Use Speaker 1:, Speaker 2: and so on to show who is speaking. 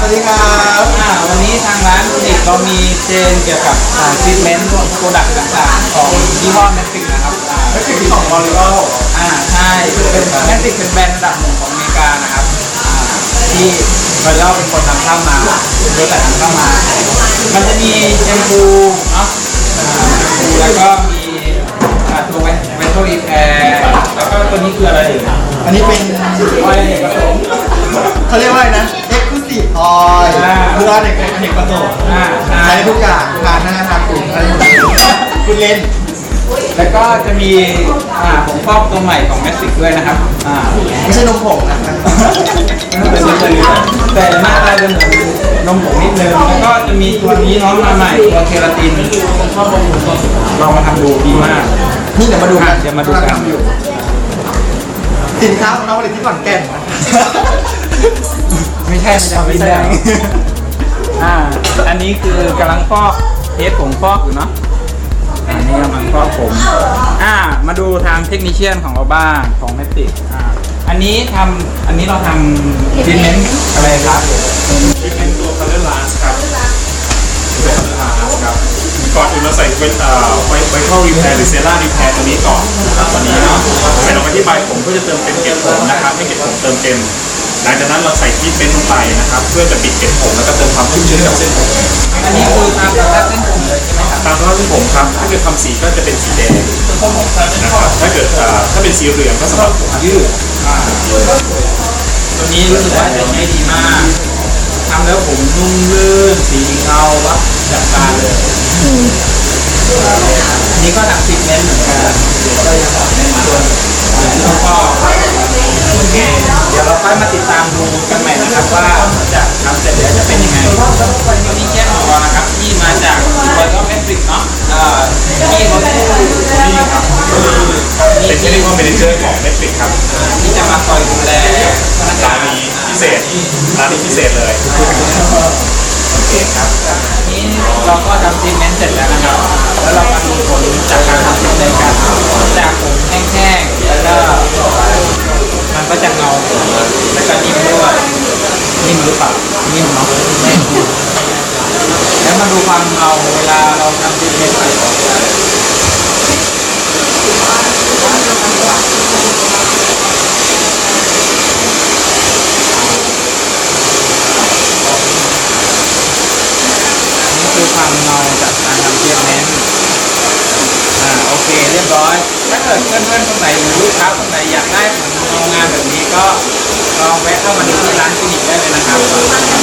Speaker 1: วัสดีครับ
Speaker 2: วันนี้ทางร้านคลินิกเรามีเชนเกี่ยวกับทรีทเมนต์โปรดักต์ต่างๆของยี่ห้อแมทริกนะครับ
Speaker 1: แมทริกที่ของบริโภค
Speaker 2: ใช่เป็นแมทริกเป็นแบรนด์ระดับหนึ่งของอเมริกานะครับที่บริโภคเป็นคนนำเข้ามาบริษัทนำเข้ามามันจะมีแชมพูเนาะแล้วก็มีตัวไวท์โทรีแพร์แล้วก็ตัวนี้คืออะไร
Speaker 1: อันนี้เป็น
Speaker 2: ออยล์ผสม
Speaker 1: เขาเรียกว่าอะไรนะ Exclusive Oil คือว่าเด็กผสมใช้ทุกอย่างทาหน้าทาตัวอะไรอย่างเงี้ยคุณเล่น
Speaker 2: แล้วก็จะมีผงฟอกตัวใหม่ของแมสติกด้วยนะครับ
Speaker 1: ไม่ใช่นมผงนะ
Speaker 2: เป็นนมผงแต่หน้าตาจะเหมือนนมผงนิดนึงแล้วก็จะมีตัวนี้น้องมาใหม่ตัวเคราตินลองมาทำดูดีมาก
Speaker 1: นี่เดี๋ยวมาดูกัน
Speaker 2: เดี๋ยวมาดูกัน
Speaker 1: สินค้าของเราผลิตที่ขอนแก่น
Speaker 2: ไม่ใช่ไม่ใช่อันนี้คือกำลังฟอกเทสผงฟอกอยู่เนาะอันนี้กำลังฟอกผมมาดูทางเทคนิชเชียนของเราบ้างของแมติกอันนี้เราทำทรีทเมนต์อะไรครับ
Speaker 3: ทรีทเมนต์ตัว Color Last ครับตัว Color Last ครับก่อนอื่นเราใส่Vital Repair หรือ Cera Repair ตัวนี้ก่อนนะครับตัวนี้เนาะใส่ลงไปที่ใบผมเพื่อจะเติมเต็มเกล็ดผมนะครับให้เกล็ดผมเติมเต็มหลังจากนั้นเราใส่ทรีทเมนต์ลงไปนะครับเพื่อจะปิดเกล็ดผมแล้วก็เติมความชุ่มชื้นกับเส้นผม
Speaker 2: อันนี้คือตามสภาพเส้นผมเลยใช่ไหมครับ
Speaker 3: ตามสภาพเส้นผมครับถ้าเกิดทำสีก็จะเป็นสีแดงนะครับถ้าเกิดถ้าเป็นสีเหลืองก็สำหรับผมยืด
Speaker 2: ตัวนี้รู้สึกว่าจะใช้ดีมากทำแล้วผมนุ่มลื่นสีเงาวับจับตาเลยนี่ก็ทำทรีทเมนต์เหมือนกันก็ยังในส่วนแล้วก็โอเคเดี๋ยวเราค่อยมาติดตามดูกันใหม่นะครับว่าจะทำเสร็จแล้วจะเป็นยังไงตัวนี้แค่ของเรานะครับที่มาจากบริษัทแมทริกเนาะที่เขา
Speaker 3: นี่ครับเป็นที่เรียกว่า Manager ของ Netflix ครับ
Speaker 2: ที่จะมาคอยดูแล
Speaker 3: ร้านนี้พิเศษเลย
Speaker 2: โอเคครับนี้เราก็ทำทรีทเมนต์เสร็จแล้วนะครับแล้วเรามาดูผลจากการทำทรีทเมนต์กันจากผมแห้งๆแล้วก็มันก็จะเงาแล้วก็นิ่มด้วยนิ่มหรือเปล่านิ่มเนาะแล้วมาดูความเงาเวลาเราทำทรีทเมนต์ไปคือความเงาจากการทำทรีทเมนต์โอเคเรียบร้อยถ้าเกิดเพื่อนๆคนไหนหรือลูกค้าคนไหนอยากได้ผลงานแบบนี้ก็ลองแวะเข้ามาดูที่ร้านคลินิกได้เลยนะครับ